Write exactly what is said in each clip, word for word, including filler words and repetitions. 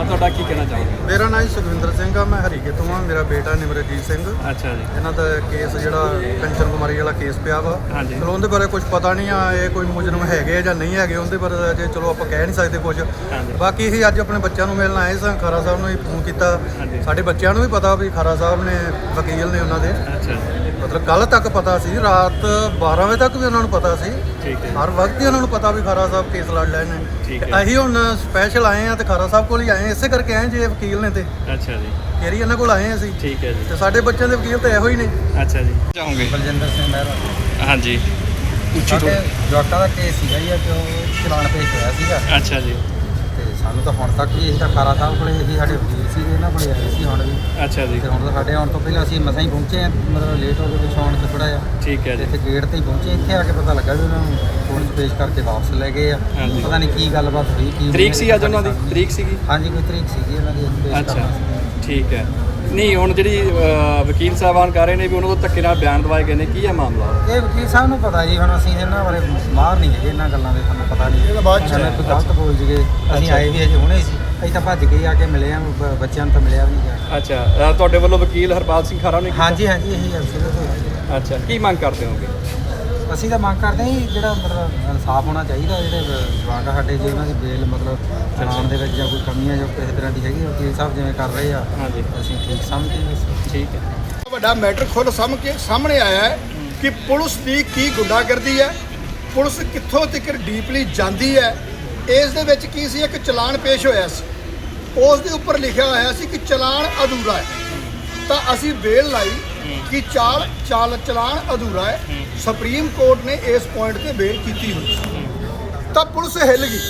ਤੁਹਾਡਾ ਕੀ ਕਹਿਣਾ ਚਾਹੋਗੇ? ਮੇਰਾ ਨਾਮ ਸੁਖਵਿੰਦਰ ਸਿੰਘ ਆ, ਮੈਂ ਹਰੀਕੇ ਤੋਂ ਆ। ਮੇਰਾ ਬੇਟਾ ਨਿਮਰਜੀਤ ਸਿੰਘ। ਅੱਛਾ ਜੀ। ਇਹਨਾਂ ਦਾ ਕੇਸ ਜਿਹੜਾ ਕੰਚਨ ਕੁਮਾਰੀ ਵਾਲਾ ਕੇਸ ਪਿਆ ਵਾ। ਹਾਂਜੀ। ਚਲੋ ਉਹਦੇ ਬਾਰੇ ਕੁਝ ਪਤਾ ਨਹੀਂ ਆ, ਇਹ ਕੋਈ ਮੁਜਰਮ ਹੈਗੇ ਜਾਂ ਨਹੀਂ ਹੈਗੇ ਉਹਦੇ ਬਾਰੇ ਜੇ ਚਲੋ ਆਪਾਂ ਕਹਿ ਨਹੀਂ ਸਕਦੇ ਕੁਝ। ਬਾਕੀ ਅਸੀਂ ਅੱਜ ਆਪਣੇ ਬੱਚਿਆਂ ਨੂੰ ਮਿਲਣ ਆਏ ਸਾਂ, ਖਾਰਾ ਸਾਹਿਬ ਨੂੰ ਹੀ ਫੋਨ ਕੀਤਾ। ਸਾਡੇ ਬੱਚਿਆਂ ਨੂੰ ਵੀ ਪਤਾ ਵੀ ਖਾਰਾ ਸਾਹਿਬ ਨੇ ਵਕੀਲ ਨੇ ਉਹਨਾਂ ਦੇ। ਅੱਛਾ। ਮਤਲਬ ਕੱਲ੍ਹ ਤੱਕ ਪਤਾ ਸੀ, ਰਾਤ ਬਾਰਾਂ ਵਜੇ ਤੱਕ ਵੀ ਉਹਨਾਂ ਨੂੰ ਪਤਾ ਸੀ। ਠੀਕ ਹੈ। ਹਰ ਵਕਤ ਹੀ ਉਹਨਾਂ ਨੂੰ ਪਤਾ ਵੀ ਖਾਰਾ ਸਾਹਿਬ ਕੇਸ ਲੜ ਰਹੇ ਨੇ। ਠੀਕ ਹੈ। ਅਸੀਂ ਹੁਣ ਸਪੈਸ਼ਲ ਆਏ ਆ ਤੇ ਖਾਰਾ ਸਾਹਿਬ ਕੋਲ ਹੀ ਆਏ, ਇਸੇ ਕਰਕੇ ਆਏ ਜੇ ਵਕੀਲ ਨੇ ਤੇ ਅੱਛਾ ਜੀ। ਫੇਰ ਹੀ ਇਹਨਾਂ ਕੋਲ ਆਏ ਅਸੀਂ। ਠੀਕ ਹੈ ਜੀ। ਤੇ ਸਾਡੇ ਬੱਚਿਆਂ ਦੇ ਵਕੀਲ ਤਾਂ ਇਹੋ ਹੀ ਨੇ। ਅੱਛਾ ਜੀ। ਚਾਹੋਗੇ? ਬਲਜਿੰਦਰ ਸਿੰਘ ਮਹਿਰਾ। ਹਾਂਜੀ। ਉੱਚੀ ਤੋਂ ਜਵਾਕਾਂ ਦਾ ਕੇਸ ਸੀਗਾ ਜੀ ਕਿ ਉਹ ਚਲਾਨ ਪੇਸ਼ ਹੋਇਆ ਸੀਗਾ। ਅੱਛਾ ਜੀ। ਤੇ ਸਾਨੂੰ ਤਾਂ ਹੁਣ ਤੱਕ ਵੀ ਅਸੀਂ ਤਾਂ ਖਾਰਾ ਸਾਹਿਬ ਕੋਲੇ ਅਸੀਂ ਸਾਡੇ ਵਕੀਲ ਸੀਗੇ, ਇਹਨਾਂ ਕੋਲੇ ਆਏ ਸੀ ਹੁਣ ਵੀ। ਅੱਛਾ ਜੀ। ਤੇ ਹੁਣ ਤਾਂ ਸਾਡੇ ਆਉਣ ਤੋਂ ਪਹਿਲਾਂ ਅਸੀਂ ਮਸਾਂ ਹੀ ਪਹੁੰਚੇ ਆ, ਮਤਲਬ ਲੇਟ ਹੋ ਗਏ ਕੁਛ ਆਉਣ 'ਚ ਥੋੜ੍ਹਾ ਜਿਹਾ। ਠੀਕ ਹੈ ਜੀ। ਇੱਥੇ ਗੇਟ ਤੇ ਹੀ ਪਹੁੰਚੇ, ਇੱਥੇ ਆ ਕੇ ਪਤਾ ਲੱਗਾ ਵੀ ਉਹਨਾਂ ਨੂੰ ਕੋਰਟ 'ਚ ਪੇਸ਼ ਕਰਕੇ ਵਾਪਸ ਲੈ ਗਏ ਆ। ਹਾਂਜੀ। ਪਤਾ ਨਹੀਂ ਕੀ ਗੱਲਬਾਤ ਹੋਈ, ਕੀ ਤਰੀਕ ਸੀ ਅੱਜ ਉਹਨਾਂ ਦੀ? ਤਰੀਕ ਸੀਗੀ? ਹਾਂਜੀ, ਕੋਈ ਤਰੀਕ ਸੀਗੀ ਉਹਨਾਂ ਦੀ ਪੇਸ਼ ਅੱਛਾ। ਕਰਨ ਦੀ। ਠੀਕ ਹੈ। ਨਹੀਂ ਹੁਣ ਜਿਹੜੀ ਅ, ਵਕੀਲ ਸਾਹਿਬਾਨ ਕਰ ਰਹੇ ਨੇ ਵੀ ਉਹਨਾਂ ਤੋਂ ਧੱਕੇ ਨਾਲ ਬਿਆਨ ਦਵਾਏ ਗਏ ਨੇ, ਕੀ ਹੈ ਮਾਮਲਾ? ਇਹ ਵਕੀਲ ਸਾਹਿਬ ਨੂੰ ਪਤਾ ਜੀ, ਹੁਣ ਅਸੀਂ ਇਹਨਾਂ ਬਾਰੇ ਮਾਹਰ ਨਹੀਂ ਹੈਗੇ ਇਹਨਾਂ ਗੱਲਾਂ ਦੇ, ਸਾਨੂੰ ਪਤਾ ਨਹੀਂ। ਇਹਦਾ ਬਾਅਦ 'ਚ ਐਵੇਂ ਕੋਈ ਗਲਤ ਬੋਲ ਜਗੇ। ਅਸੀਂ ਆਏ ਵੀ ਹਜੇ ਹੁਣੇ ਸੀ, ਅਸੀਂ ਤਾਂ ਭੱਜ ਕੇ ਆ ਕੇ ਮਿਲੇ ਆ, ਬ- ਬੱਚਿਆਂ ਨੂੰ ਤਾਂ ਮਿਲਿਆ ਵੀ ਨਹੀਂ ਗਿਆ। ਅੱਛਾ। ਅ, ਤੁਹਾਡੇ ਵੱਲੋਂ ਵਕੀਲ ਹਰਪਾਲ ਸਿੰਘ ਖਾਰਾ ਨੇ ਕੀਤਾ? ਹਾਂਜੀ ਹਾਂਜੀ, ਇਹੀ ਅਫਸਰ। ਅੱਛਾ। ਕੀ ਮੰਗ ਕਰਦੇ ਹੋਗੇ? ਅਸੀਂ ਤਾਂ ਮੰਗ ਕਰਦੇ ਹਾਂ ਜੀ, ਜਿਹੜਾ ਮਤਲਬ ਇਨਸਾਫ ਹੋਣਾ ਚਾਹੀਦਾ। ਜਿਹੜੇ ਜਵਾਕ ਆ ਸਾਡੇ, ਜੇ ਉਹਨਾਂ ਦੀ ਬੇਲ ਮਤਲਬ ਚਲਾਨ ਦੇ ਵਿੱਚ ਜਾਂ ਕੋਈ ਕਮੀਆਂ ਜੋ ਕਿਸੇ ਤਰ੍ਹਾਂ ਦੀ ਹੈਗੀ, ਵਕੀਲ ਸਾਹਿਬ ਜਿਵੇਂ ਕਰ ਰਹੇ ਆ, ਹਾਂਜੀ। ਅਸੀਂ ਠੀਕ ਸਮਝਦੇ ਹਾਂ। ਠੀਕ ਹੈ। ਵੱਡਾ ਮੈਟਰ ਖੁੱਲ੍ਹ ਸਾਹਮ ਕੇ ਸਾਹਮਣੇ ਆਇਆ ਹੈ ਕਿ ਪੁਲਿਸ ਦੀ ਕੀ ਗੁੰਡਾਗਰਦੀ ਹੈ, ਪੁਲਿਸ ਕਿੱਥੋਂ ਤੱਕ ਡੀਪਲੀ ਜਾਂਦੀ ਹੈ। ਇਸ ਦੇ ਵਿੱਚ ਕੀ ਸੀ, ਇੱਕ ਚਲਾਨ ਪੇਸ਼ ਹੋਇਆ ਸੀ, ਉਸ ਦੇ ਉੱਪਰ ਲਿਖਿਆ ਹੋਇਆ ਸੀ ਕਿ ਚਲਾਨ ਅਧੂਰਾ ਹੈ। ਤਾਂ ਅਸੀਂ ਬੇਲ ਲਾਈ ਕਿ ਚਾਲ ਚਾਲ ਚਲਾਨ ਅਧੂਰਾ ਹੈ। ਸੁਪਰੀਮ ਕੋਰਟ ਨੇ ਇਸ ਪੁਆਇੰਟ ਤੇ ਬੇਲ ਕੀਤੀ ਹੋਈ ਸੀ। ਤਾਂ ਪੁਲਿਸ ਹਿੱਲ ਗਈ,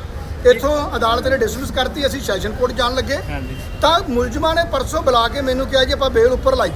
ਇੱਥੋਂ ਅਦਾਲਤ ਨੇ ਡਿਸਮਿਸ ਕਰਤੀ। ਅਸੀਂ ਸੈਸ਼ਨ ਕੋਰਟ ਜਾਣ ਲੱਗੇ ਹਾਂਜੀ। ਤਾਂ ਮੁਲਜ਼ਮਾਂ ਨੇ ਪਰਸੋਂ ਬੁਲਾ ਕੇ ਮੈਨੂੰ ਕਿਹਾ ਜੀ ਆਪਾਂ ਬੇਲ ਉੱਪਰ ਲਾਈ।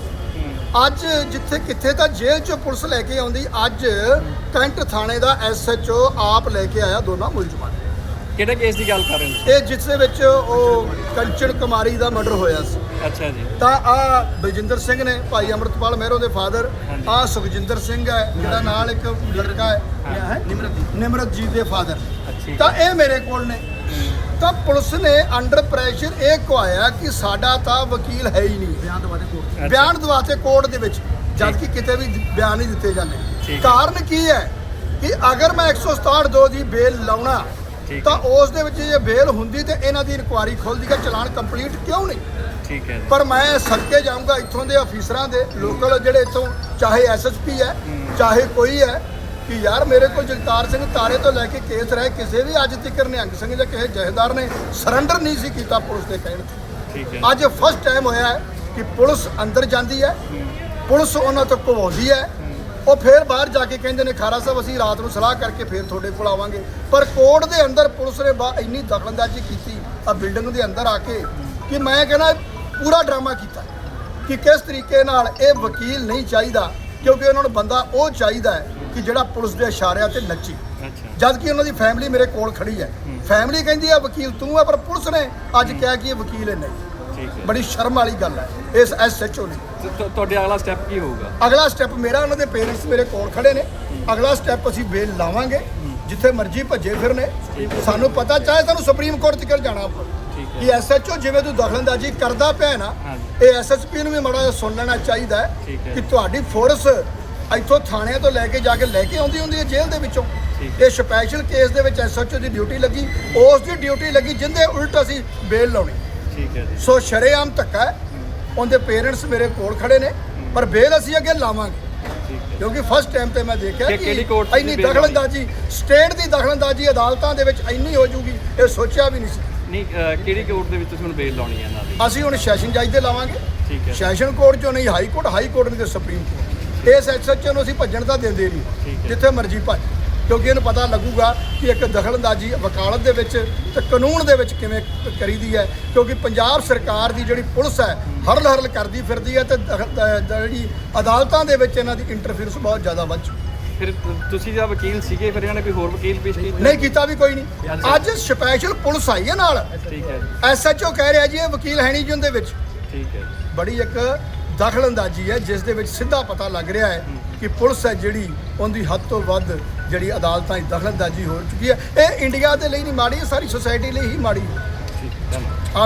ਅੱਜ ਜਿੱਥੇ ਕਿੱਥੇ ਤਾਂ ਜੇਲ੍ਹ 'ਚੋਂ ਪੁਲਿਸ ਲੈ ਕੇ ਆਉਂਦੀ, ਅੱਜ ਕੈਂਟ ਥਾਣੇ ਦਾ ਐਸ ਐਚ ਓ ਆਪ ਲੈ ਕੇ ਆਇਆ ਦੋਨਾਂ ਮੁਲਜ਼ਮਾਂ ਨੂੰ। ਕਿਹੜੇ ਕੇਸ ਦੀ ਗੱਲ ਕਰ ਰਹੇ ਨੇ? ਇਹ ਜਿਸ ਦੇ ਵਿੱਚ ਉਹ ਕੰਚਨ ਕੁਮਾਰੀ ਦਾ ਮਰਡਰ ਹੋਇਆ ਸੀ। ਅੱਛਾ ਜੀ। ਤਾਂ ਤਾਂ ਆ ਬਲਜਿੰਦਰ ਸਿੰਘ ਨੇ, ਭਾਈ ਅੰਮ੍ਰਿਤਪਾਲ ਮਹਿਰੋ ਦੇ ਫਾਦਰ। ਆ ਸੁਖਜਿੰਦਰ ਸਿੰਘ ਹੈ ਜਿਹੜਾ ਨਾਲ ਇੱਕ ਲੜਕਾ ਹੈ ਨਿਮਰਤਜੀਤ ਦੇ ਫਾਦਰ। ਅੱਛੀ। ਤਾਂ ਇਹ ਮੇਰੇ ਕੋਲ ਨੇ। ਤਾਂ ਪੁਲਿਸ ਨੇ ਅੰਡਰ ਪ੍ਰੈਸ਼ਰ ਇਹ ਕਹਾਇਆ ਕਿ ਸਾਡਾ ਤਾਂ ਵਕੀਲ ਹੈ ਹੀ ਨਹੀਂ। ਬਿਆਨ ਦਵਾਤੇ ਕੋਰਟ ਬਿਆਨ ਦਵਾਤੇ ਕੋਰਟ ਦੇ ਵਿੱਚ, ਜਦ ਕਿ ਕਿਤੇ ਵੀ ਬਿਆਨ ਨਹੀਂ ਦਿੱਤੇ ਜਾਂਦੇ। ਕਾਰਨ ਕੀ ਹੈ ਕਿ ਅਗਰ ਮੈਂ ਇੱਕ ਸੌ ਸਤਾਹਠ ਦੋ ਦੀ ਬੇਲ ਲਾਉਣਾ ਤਾਂ ਉਸ ਦੇ ਵਿੱਚ ਜੇ ਬੇਲ ਹੁੰਦੀ ਤੇ ਇਹਨਾਂ ਦੀ ਇਨਕੁਆਇਰੀ ਖੁੱਲਦੀ ਕਿ ਚਲਾਨ ਕੰਪਲੀਟ ਕਿਉਂ ਨਹੀਂ। ਠੀਕ ਹੈ। ਪਰ ਮੈਂ ਸਦਕੇ ਜਾਊਂਗਾ ਇੱਥੋਂ ਦੇ ਅਫੀਸਰਾਂ ਦੇ, ਲੋਕਲ ਜਿਹੜੇ ਇੱਥੋਂ ਚਾਹੇ ਐਸ ਐਸ ਪੀ ਹੈ ਚਾਹੇ ਕੋਈ ਹੈ, ਕਿ ਯਾਰ ਮੇਰੇ ਕੋਲ ਜਗਤਾਰ ਸਿੰਘ ਤਾਰੇ ਤੋਂ ਲੈ ਕੇ ਕੇਸ ਰਹੇ, ਕਿਸੇ ਵੀ ਅੱਜ ਤੱਕ ਨਿਹੰਗ ਸਿੰਘ ਜਾਂ ਕਿਸੇ ਜਥੇਦਾਰ ਨੇ ਸਰੈਂਡਰ ਨਹੀਂ ਸੀ ਕੀਤਾ ਪੁਲਿਸ ਦੇ ਕਹਿਣ ਤੇ। ਠੀਕ ਹੈ। ਅੱਜ ਫਸਟ ਟਾਈਮ ਹੋਇਆ ਹੈ ਕਿ ਪੁਲਿਸ ਅੰਦਰ ਜਾਂਦੀ ਹੈ, ਪੁਲਿਸ ਉਹਨਾਂ ਤੋਂ ਘਵਾਉਂਦੀ ਹੈ, ਉਹ ਫਿਰ ਬਾਹਰ ਜਾ ਕੇ ਕਹਿੰਦੇ ਨੇ ਖਾਰਾ ਸਾਹਿਬ ਅਸੀਂ ਰਾਤ ਨੂੰ ਸਲਾਹ ਕਰਕੇ ਫਿਰ ਤੁਹਾਡੇ ਕੋਲ ਆਵਾਂਗੇ। ਪਰ ਕੋਰਟ ਦੇ ਅੰਦਰ ਪੁਲਿਸ ਨੇ ਬਾ ਇੰਨੀ ਦਖਲਅੰਦਾਜ਼ੀ ਕੀਤੀ ਆ ਬਿਲਡਿੰਗ ਦੇ ਅੰਦਰ ਆ ਕੇ ਕਿ ਮੈਂ ਕਹਿੰਦਾ ਪੂਰਾ ਡਰਾਮਾ ਕੀਤਾ ਕਿ ਕਿਸ ਤਰੀਕੇ ਨਾਲ ਇਹ ਵਕੀਲ ਨਹੀਂ ਚਾਹੀਦਾ, ਕਿਉਂਕਿ ਉਹਨਾਂ ਨੂੰ ਬੰਦਾ ਉਹ ਚਾਹੀਦਾ ਹੈ ਕਿ ਜਿਹੜਾ ਪੁਲਿਸ ਦੇ ਇਸ਼ਾਰਿਆਂ ਤੇ ਨੱਚੇ। ਅੱਛਾ। ਜਦ ਕਿ ਉਹਨਾਂ ਦੀ ਫੈਮਿਲੀ ਮੇਰੇ ਕੋਲ ਖੜੀ ਹੈ, ਫੈਮਿਲੀ ਕਹਿੰਦੀ ਆ ਵਕੀਲ ਤੂੰ ਹੈ, ਪਰ ਪੁਲਿਸ ਨੇ ਅੱਜ ਕਿਹਾ ਕਿ ਇਹ ਵਕੀਲ ਹੈ ਨਹੀਂ। ਠੀਕ ਹੈ। ਬੜੀ ਸ਼ਰਮ ਵਾਲੀ ਗੱਲ ਹੈ ਇਸ ਐਸ ਐਚ ਓ ਨੇ। ਤੇ ਤੁ- ਤੁਹਾਡੇ ਅਗਲਾ ਸਟੈਪ ਕੀ ਹੋਊਗਾ? ਅਗਲਾ ਸਟੈਪ ਮੇਰਾ, ਉਹਨਾਂ ਦੇ ਪੇਰੈਂਟਸ ਮੇਰੇ ਕੋਲ ਖੜੇ ਨੇ, ਅਗਲਾ ਸਟੈਪ ਅਸੀਂ ਬੇਲ ਲਾਵਾਂਗੇ, ਜਿੱਥੇ ਮਰਜ਼ੀ ਭੱਜੇ ਫਿਰਨੇ। ਸਾਨੂੰ ਪਤਾ ਚਾਹੇ ਸਾਨੂੰ ਸੁਪਰੀਮ ਕੋਰਟ ਤੱਕ ਜਾਣਾ ਪਵੇ ਕਿ ਐਸ ਐਚ ਓ ਜਿਵੇਂ ਤੂੰ ਦਖਲਅੰਦਾਜ਼ੀ ਕਰਦਾ ਪਿਆ ਨਾ, ਇਹ ਐਸ ਐਸ ਪੀ ਨੂੰ ਵੀ ਮਾੜਾ ਜਿਹਾ ਸੁਣ ਲੈਣਾ ਚਾਹੀਦਾ ਹੈ ਕਿ ਤੁਹਾਡੀ ਫੋਰਸ ਇੱਥੋਂ ਥਾਣਿਆਂ ਤੋਂ ਲੈ ਕੇ ਜਾ ਕੇ ਲੈ ਕੇ ਆਉਂਦੀ ਹੁੰਦੀ ਹੈ ਜੇਲ੍ਹ ਦੇ ਵਿੱਚੋਂ। ਇਹ ਸਪੈਸ਼ਲ ਕੇਸ ਦੇ ਵਿੱਚ ਐਸ ਐਚ ਓ ਦੀ ਡਿਊਟੀ ਲੱਗੀ, ਉਸ ਦੀ ਡਿਊਟੀ ਲੱਗੀ ਜਿੰਦੇ ਉਲਟ ਅਸੀਂ ਬੇਲ ਲਾਉਣੀ। ਠੀਕ ਹੈ ਜੀ। ਸੋ ਸ਼ਰੇਆਮ ਧੱਕਾ ਹੈ। ਉਹਦੇ ਪੇਰੈਂਟਸ ਮੇਰੇ ਕੋਲ ਖੜੇ ਨੇ, ਪਰ ਬੇਲ ਅਸੀਂ ਅੱਗੇ ਲਾਵਾਂਗੇ ਕਿਉਂਕਿ ਫਸਟ ਟਾਈਮ ਤੇ ਮੈਂ ਦੇਖਿਆ ਕਿ ਇੰਨੀ ਦਖਲਅੰਦਾਜ਼ੀ, ਸਟੇਟ ਦੀ ਦਖਲਅੰਦਾਜ਼ੀ ਅਦਾਲਤਾਂ ਦੇ ਵਿੱਚ ਇੰਨੀ ਹੋ ਜੂਗੀ, ਇਹ ਸੋਚਿਆ ਵੀ ਨਹੀਂ ਸੀ। ਨਹੀਂ ਅ, ਕਿਹੜੀ ਕੋਰਟ ਦੇ ਵਿੱਚ ਤੁਸੀਂ ਹੁਣ ਬੇਲ ਲਾਉਣੀ ਹੈ ਇਹਨਾਂ ਦੀ? ਅਸੀਂ ਹੁਣ ਸੈਸ਼ਨ ਜੱਜ ਦੇ ਲਾਵਾਂਗੇ। ਠੀਕ ਹੈ। ਸੈਸ਼ਨ ਕੋਰਟ ਚੋਂ ਨਹੀਂ, ਹਾਈ ਕੋਰਟ, ਹਾਈ ਕੋਰਟ ਨਹੀਂ ਤੇ ਸੁਪਰੀਮ ਕੋਰਟ। ਇਸ ਐਸ ਐਚ ਓ ਨੂੰ ਅਸੀਂ ਭੱਜਣ ਤਾਂ ਦਿੰਦੇ ਨਹੀਂ, ਜਿੱਥੇ ਮਰਜ਼ੀ ਭੱਜ, ਕਿਉਂਕਿ ਇਹਨੂੰ ਪਤਾ ਲੱਗੂਗਾ ਕਿ ਇੱਕ ਦਖਲਅੰਦਾਜ਼ੀ ਵਕਾਲਤ ਦੇ ਵਿੱਚ ਤੇ ਕਾਨੂੰਨ ਦੇ ਵਿੱਚ ਕਿਵੇਂ ਕਰੀਦੀ ਹੈ। ਕਿਉਂਕਿ ਪੰਜਾਬ ਸਰਕਾਰ ਦੀ ਜਿਹੜੀ ਪੁਲਿਸ ਹੈ ਹਰਲ ਹਰਲ ਕਰਦੀ ਫਿਰਦੀ ਹੈ ਤੇ ਜਿਹੜੀ ਅਦਾਲਤਾਂ ਦੇ ਵਿੱਚ ਇਹਨਾਂ ਦੀ ਇੰਟਰਫੀਅਰੈਂਸ ਬਹੁਤ ਜ਼ਿਆਦਾ ਵੱਧ ਚੁੱਕੀ। ਫਿਰ ਤੁ- ਤੁਸੀਂ ਜਾਂ ਵਕੀਲ ਸੀਗੇ, ਫਿਰ ਇਹਨਾਂ ਨੇ ਕੋਈ ਹੋਰ ਵਕੀਲ ਪੇਸ਼ ਕੀਤਾ? ਨਹੀਂ ਕੀਤਾ ਵੀ ਕੋਈ ਨਹੀਂ। ਅੱਜ ਸਪੈਸ਼ਲ ਪੁਲਿਸ ਆਈ ਹੈ ਨਾਲ। ਠੀਕ ਹੈ। ਐਸ ਐਚ ਓ ਕਹਿ ਰਿਹਾ ਜੀ ਇਹ ਵਕੀਲ ਹੈ ਨਹੀਂ ਜੀ ਉਹਦੇ ਵਿੱਚ। ਠੀਕ ਹੈ। ਬੜੀ ਇੱਕ ਦਖਲਅੰਦਾਜ਼ੀ ਹੈ ਜਿਸ ਦੇ ਵਿੱਚ ਸਿੱਧਾ ਪਤਾ ਲੱਗ ਰਿਹਾ ਹੈ ਕਿ ਪੁਲਿਸ ਹੈ ਜਿਹੜੀ ਉਹਦੀ ਹੱਦ ਤੋਂ ਵੱਧ ਜਿਹੜੀ ਅਦਾਲਤਾਂ 'ਚ ਦਖਲਅੰਦਾਜ਼ੀ ਹੋ ਚੁੱਕੀ ਹੈ। ਇਹ ਇੰਡੀਆ ਦੇ ਲਈ ਨਹੀਂ ਮਾੜੀ, ਸਾਰੀ ਸੋਸਾਇਟੀ ਲਈ ਹੀ ਮਾੜੀ ਹੈ। ਠੀਕ ਹੈ। ਆ